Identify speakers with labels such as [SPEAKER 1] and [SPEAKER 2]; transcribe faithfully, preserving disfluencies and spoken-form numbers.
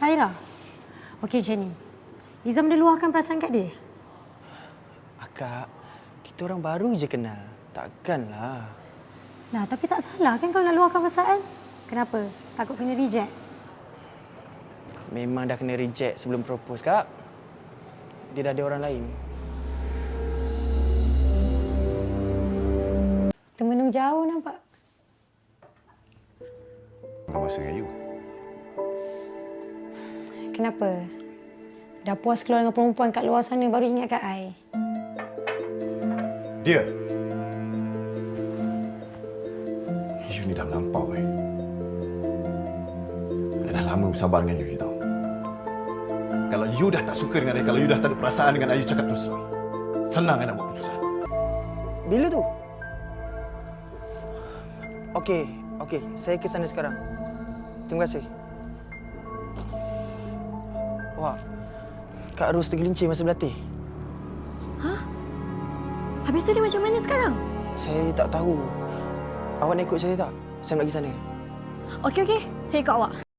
[SPEAKER 1] Kak Aira? Okey macam ni. Izam dah luahkan perasaan kat dia?
[SPEAKER 2] Akak, kita orang baru je kenal. Takkanlah.
[SPEAKER 1] Nah, tapi tak salah kan kalau nak luahkan perasaan? Kenapa? Takut kena reject?
[SPEAKER 2] Memang dah kena reject sebelum propose, Kak. Dia dah ada orang lain.
[SPEAKER 1] Termenung jauh nampak.
[SPEAKER 3] Nak masa dengan you.
[SPEAKER 1] Kenapa? Dah puas keluar dengan perempuan kat luar sana baru ingat kat I?
[SPEAKER 3] Dia. You ni dah melampau eh. I dah lama bersabar dengan you, you tahu. Kalau you dah tak suka dengan I, kalau you dah tak ada perasaan dengan I, you cakap terus terang. Senang I nak buat keputusan.
[SPEAKER 2] Bila tu? Okey, okey. Saya ke sana sekarang. Terima kasih. Wah, Kak Ros tergelincir masa berlatih.
[SPEAKER 4] Hah? Habis tu dia macam mana sekarang?
[SPEAKER 2] Saya tak tahu. Awak nak ikut saya tak? Saya nak pergi sana.
[SPEAKER 4] Okey, okey. Saya ikut awak.